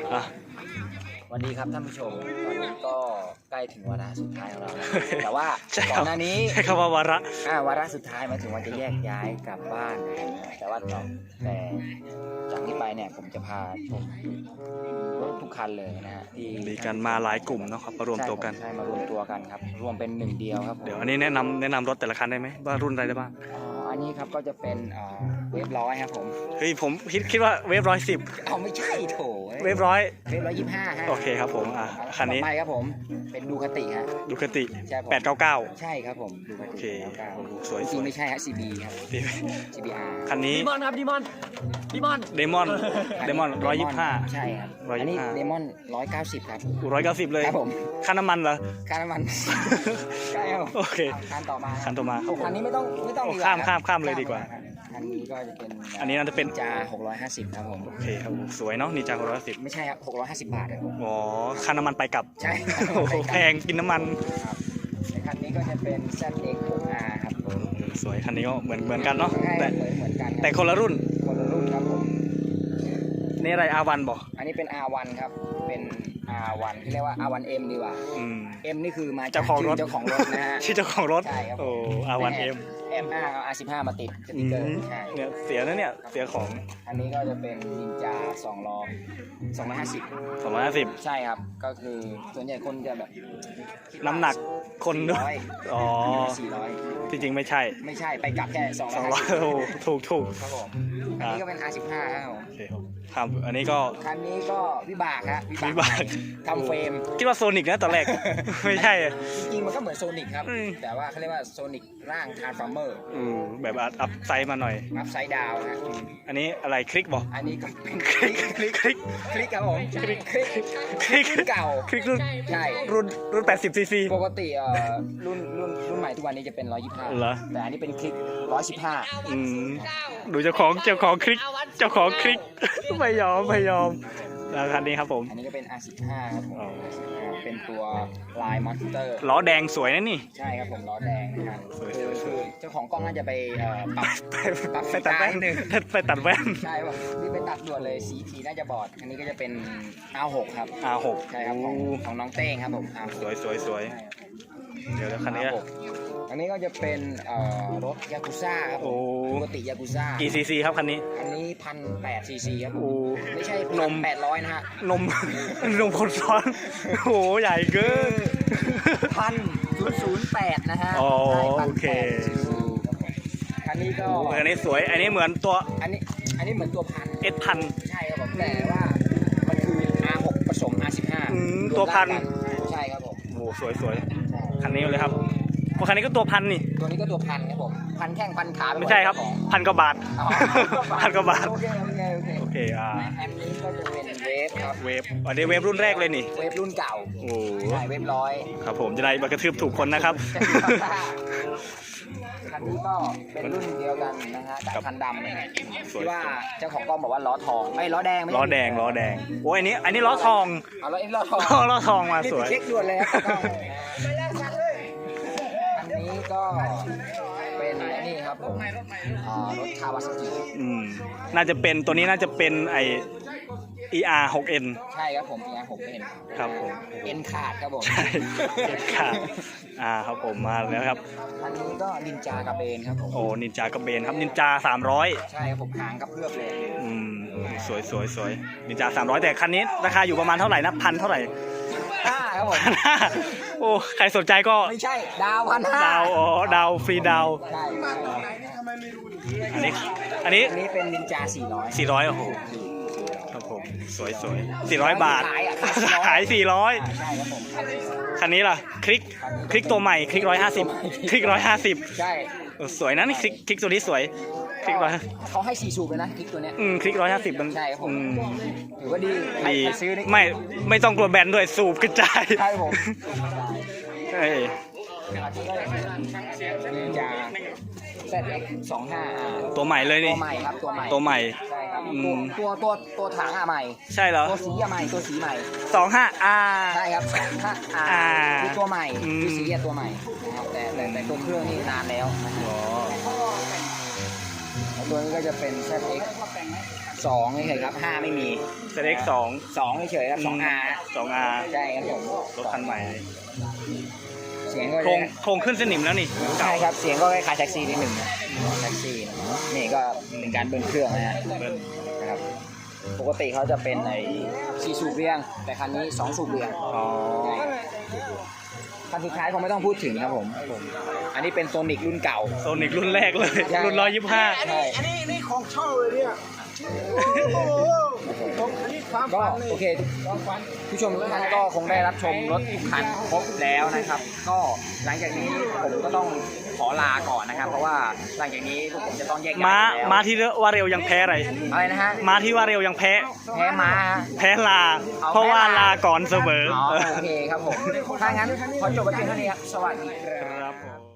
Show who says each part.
Speaker 1: อ่ะ
Speaker 2: สวัสดีครับท่านผู้ชมตอนนี้ก็ใกล้ถึงวาระสุดท้ายของเราแล้วแต่ว่า
Speaker 1: ใช่
Speaker 2: ก่
Speaker 1: ค
Speaker 2: อ
Speaker 1: รับ
Speaker 2: นหน้านี้
Speaker 1: ใช้คำว่าวาระ
Speaker 2: วาระสุดท้ายหมายถึงว่าจะแยกย้ายกลับบ้านแต่จากนี้ไปเนี่ยผมจะพาชมรถทุกคันเลยนะฮะที่
Speaker 1: มีกันมาหลายกลุ่มเนาะครับมารวมตัวกัน
Speaker 2: ใช่มารวมตัวกันครับรวมเป็นหนึ่งเดียวครับผม
Speaker 1: เดี๋ยวอันนี้แนะนำรถแต่ละคันได้ไหมว่ารุ่นอะไรได้บ้าง
Speaker 2: อันนี้ครับก็จะเป็นเวฟร้อยครับผม
Speaker 1: เฮ้ยผมคิดว่าเวฟ110
Speaker 2: ไม่ใช่โถ
Speaker 1: เวฟร้อย
Speaker 2: เวฟ125ฮะ
Speaker 1: โอเคครับผมคันนี้
Speaker 2: ต่อไปครับผมเป็นดูคติฮะ
Speaker 1: ดูคติ
Speaker 2: ใช่ผม
Speaker 1: 899
Speaker 2: ใช่ครับผมดูค
Speaker 1: โอเค
Speaker 2: ติแล้วก็
Speaker 1: สวย
Speaker 2: จริงๆไม่ใช่ฮะ CB ครับ CBR
Speaker 1: คันนี้
Speaker 3: ดีมอนครับดีมอน
Speaker 1: เดมอน125
Speaker 2: ใช่ครับ
Speaker 1: 125
Speaker 2: อันนี้เดมอน190ครับ
Speaker 1: 190เลย
Speaker 2: ครับผม
Speaker 1: ค่าน้ำมันเหรอ
Speaker 2: ค่าน้ำมันใช่ครับ
Speaker 1: โอเค
Speaker 2: คันต่อมา
Speaker 1: คันต่อมา
Speaker 2: คันนี้ไม่ต้อง
Speaker 1: โอ้
Speaker 2: ดีกว่
Speaker 1: ข้ามเลยดีกว่า
Speaker 2: คันนี้ก็จะเป็น
Speaker 1: อันนี้น่าจะเป็น
Speaker 2: จา650ครับผม
Speaker 1: โอเคครับสวยเนาะนินจา610
Speaker 2: ไม่ใช่ครับ650 บาทครับผม
Speaker 1: อ๋อค่าน้ำมันไปกลับ
Speaker 2: ใช่
Speaker 1: โอ้โหแพงกินน้ำมัน
Speaker 2: ครับในคันนี้ก็จะเป็น ZX6R ครับผม
Speaker 1: สวยคันนี้ก็เหมือนกันเนาะ
Speaker 2: ใช่
Speaker 1: แต่
Speaker 2: เหมือนกันครับ
Speaker 1: แต่คนละรุ่น
Speaker 2: คนละรุ่นครับผม
Speaker 1: นี่อะไรอาวันบอก
Speaker 2: อันนี้เป็น R1 ครับ เป็น R1 ที่เรียกว่า R1M ดีกว่า
Speaker 1: อืม
Speaker 2: M นี่คือมาจก
Speaker 1: เจ้าของรถ
Speaker 2: ชื่เจ้าของรถนะฮะ
Speaker 1: ชื่อเจ้าของรถ
Speaker 2: ใช่ครับ
Speaker 1: โอ้อาวันเอ็ม
Speaker 2: M5 เอา R15 มาติดสติ๊กเกอร์ใช่
Speaker 1: เนี่ยเสียนะเนี่ยเสียของ
Speaker 2: อันนี้ก็จะเป็นนินจา2ล้อ250
Speaker 1: 250
Speaker 2: ใช่ครับ ก็คือส่วนใหญ่คนจะแบบ
Speaker 1: น้ำหนักคนด้วย
Speaker 2: 400
Speaker 1: อ๋อ
Speaker 2: 400
Speaker 1: จริงๆไม่ใช่
Speaker 2: ไม่ใช่ไปกลับแค่
Speaker 1: 200โอ้ถูก
Speaker 2: ครับผมอันนี้ก็เป็น R15 ครับผม
Speaker 1: โอเคครับอันนี้ก็
Speaker 2: คันนี้ก็วิบากฮะ
Speaker 1: วิบาก
Speaker 2: ทำเฟรม
Speaker 1: คิดว่าโซนิกนะตอนแรก ไม่ใช่อะ
Speaker 2: จริงๆมันก็เหมือนโซนิกครับ
Speaker 1: อืม
Speaker 2: แต่ว่าเขาเรียกว่าโซนิกร่างทาร์ฟาร์เมอร์
Speaker 1: แบบอัพไซด์มาหน่อย
Speaker 2: อัพไซด์ดาวฮะ
Speaker 1: อันนี้อะไรคลิกบอก
Speaker 2: อันนี้ก็เป็น
Speaker 1: คลิก
Speaker 2: คลิกครับผมคลิก
Speaker 1: คลิก
Speaker 2: รุ่นเก่า
Speaker 1: คลิกรุ่น
Speaker 2: ใช่
Speaker 1: รุ่น80ซีซี
Speaker 2: ปกติรุ่นใหม่ทุกวันนี้จะเป็น
Speaker 1: เหรอ
Speaker 2: 125แต่อันนี้เป็นคลิก 115
Speaker 1: ดูเจ้าของคลิกไม่ยอมแล้วคันนี้ครับผม
Speaker 2: อันนี้ก็เป็น R15 ครับผม
Speaker 1: อ๋อ
Speaker 2: เป็นตัวลายมอนสเตอร์
Speaker 1: ล้อแดงสวยนะนี่
Speaker 2: ใช่ครับผมล้อแดงนะครับ
Speaker 1: สวย
Speaker 2: คือเจ้าของกล้องน่าจะไปปรับ
Speaker 1: ไปตัดแว่น
Speaker 2: นิดนึง
Speaker 1: ไปตัดแว่น
Speaker 2: ใช่ป่ะนี่ไปตัดด่วนเลยสีน่าจะบอด อันนี้ก็จะเป็น R6 ครับ
Speaker 1: R6
Speaker 2: ใช่ครับของน้องเต้งครับผม R6
Speaker 1: สวยเดี๋ยวคันนี้
Speaker 2: R6 อันนี้ก็จะเป็นรถยากุซ่าครับผ
Speaker 1: โอ้
Speaker 2: มปกติยากุซ่า
Speaker 1: กี่ซีซีครับคันนี้
Speaker 2: อันนี้1,800 ซีซีครับผม
Speaker 1: โอ้
Speaker 2: ไม่ใช่
Speaker 1: นม
Speaker 2: 1,800นะฮะ
Speaker 1: นมคนซ้อนโอ้โหใหญ่เกิน
Speaker 2: 1,008นะฮะ
Speaker 1: อ๋อ
Speaker 2: ใช่
Speaker 1: โอเค
Speaker 2: 1,800 ซีซีครับผมคันนี้ก็
Speaker 1: อันนี้สวยอันนี้เหมือนตัว
Speaker 2: อันนี้เหมือนตัวพัน
Speaker 1: S1000
Speaker 2: ใช่ครับผมแต่ว่ามันคือ R6 ผสม R15
Speaker 1: ตัวพัน
Speaker 2: รวมร่างกัใช่ครับผม
Speaker 1: โอ้โหสวยคันนี้เลยครับพวกคันนี้ก็ตัวพันนี่
Speaker 2: ตัวนี้ก็ตัวพันครับผมพันแข้งพันขาปหด
Speaker 1: ไม่ใช่ครับ
Speaker 2: ของ
Speaker 1: พันกว่าบาท
Speaker 2: อ๋อ
Speaker 1: พันกว่าบาท
Speaker 2: โอเค
Speaker 1: โอเค
Speaker 2: อันนี้ก็จะเป็นเวฟครับ
Speaker 1: เวฟอันนี้เวฟรุ่นแรกเลยนี่
Speaker 2: เวฟรุ่นเก่า
Speaker 1: โอ้
Speaker 2: ใช่เวฟร้อย
Speaker 1: ครับผมจะได้มากระทืบถูกคนนะครับ
Speaker 2: คันนี้ก็เป็นรุ่นเดียวกันนะฮะแต่คันดำนะฮะ
Speaker 1: สวย
Speaker 2: ที่ว่าเจ้าของกล้องบอกว่าล้อทองไม่ล้อแดงไม่ใช่
Speaker 1: ล้อแดงโอ้ยอันนี้ล้อทอง
Speaker 2: เอาล้อทอง
Speaker 1: ล้อทองมาสวย
Speaker 2: เช็คด่วนเลยครับอันนี้ก็เป็นนี่ครับผมรถคาวาซากิ
Speaker 1: น่าจะเป็นตัวนี้น่าจะเป็นไอ ER 6N
Speaker 2: ใช่ครับผมมี6เป็น
Speaker 1: ครับผม
Speaker 2: เอ็นขาดครับผม
Speaker 1: ใช่เก็บขาดครับผมมาแล้วครับ
Speaker 2: อันนี้ก็นินจากระเบนครับผม
Speaker 1: โอ้นินจากระเบนครับนินจา300
Speaker 2: ใช่ครับผมหางกับเพื่อบเลย
Speaker 1: สวยนินจา300แต่คันนี้ราคาอยู่ประมาณเท่าไหร่นะพันเท่าไหร่
Speaker 2: ครับผม
Speaker 1: โอ้ใครสนใจก็
Speaker 2: ไม่ใช่ดาว1,500
Speaker 1: ดาวฟรีดาว
Speaker 2: ใช่
Speaker 1: อันนี้
Speaker 2: อันนี้เป็นนินจา400
Speaker 1: 400โอ้โหครับผมสวย400 บาท ขาย
Speaker 2: ใช่ครับผม
Speaker 1: 400คันนี้ล่ะคลิกตัวใหม่คลิก150คลิก150
Speaker 2: ใช่
Speaker 1: สวยนะนี่คลิกตัวนี้สวยคลิก100
Speaker 2: เขาให้4สูบเลยนะคลิกตัวเนี้ย
Speaker 1: คลิก150มัน
Speaker 2: ใช่ครับผมถือว่าดีใคร
Speaker 1: ดี
Speaker 2: ซื้อนี่
Speaker 1: ไม่ต้องกลัวแบนด้วยสูบกระจาย
Speaker 2: ใช่ผม
Speaker 1: เอ้ย
Speaker 2: นินจา ZX25
Speaker 1: ตัวใหม่เลย
Speaker 2: ตั
Speaker 1: นี่
Speaker 2: วใหม่ครับ
Speaker 1: ตัวใหม่
Speaker 2: ใช่ครับ
Speaker 1: อืม
Speaker 2: ตัวถังใหม่
Speaker 1: ใช่เหรอ
Speaker 2: ตัวสีใหม่ตัวสีใหม่
Speaker 1: 25
Speaker 2: ใช่ครับคือตัวใหม่คือสีตัวใหม่นะครับแต่ตัวเครื่องนี่นานแล้วนะครับ
Speaker 1: อ๋อ
Speaker 2: แล้วตัวนี้ก็จะเป็น ZX 2เฉยๆครับ5ไม่มี
Speaker 1: ZX
Speaker 2: 2เฉยๆครับ 2R
Speaker 1: 2R
Speaker 2: ใช่ครับผม
Speaker 1: รถคันใหม่
Speaker 2: เสียงก็
Speaker 1: โครงขึ้นสนิมแล้วนี่
Speaker 2: ใช่ครับเสียงก็คล้ายๆแท็กซี่นิดหนึ่งนะแท็กซี่นะนี่ก็เป็นการเบิ้ลเครื่องนะฮะ
Speaker 1: เบิ้ล
Speaker 2: นะครับปกติเขาจะเป็นไอ้4 สูบเรียงแต่คันนี้2 สูบเรียง
Speaker 1: อ๋อ
Speaker 2: คันสุดท้ายคงไม่ต้องพูดถึงครับผม อันนี้เป็นโซนิกรุ่นเก่า
Speaker 1: โซนิกรุ่นแรกเลย
Speaker 2: ใช่
Speaker 1: รุ่น 125
Speaker 2: ใช่
Speaker 3: นี่ของเช่าเลยเนี่ยโอ้โหของอันนี้ความ
Speaker 2: ก็
Speaker 3: ฝันเลย
Speaker 2: โอเคผู้ชมทุกท่านก็คงได้รับชมรถทุกคันครบแล้วนะครับ ก็หลังจากนี้ผมก็ต้องขอลาก่อนนะครับ เพราะว่าหลังจากนี้พวกผมจะต้องแยกย้าย
Speaker 1: ม้า
Speaker 2: แล้ว
Speaker 1: ม้าที่ว่าเร็วยังแพ้อะไร
Speaker 2: อะไรนะฮะ
Speaker 1: ม้าที่ว่าเร็วยังแพ้
Speaker 2: แพ้ม้าฮะ
Speaker 1: แพ้ลา
Speaker 2: เอา
Speaker 1: เพราะว่า
Speaker 2: แพ้ลา
Speaker 1: ลาก่อนเสมอ
Speaker 2: อ๋อโอเคครับผมถ้างั้นขอจบไว้เพียงเท่านี้ครับสวัสดีครับ
Speaker 1: ครับผม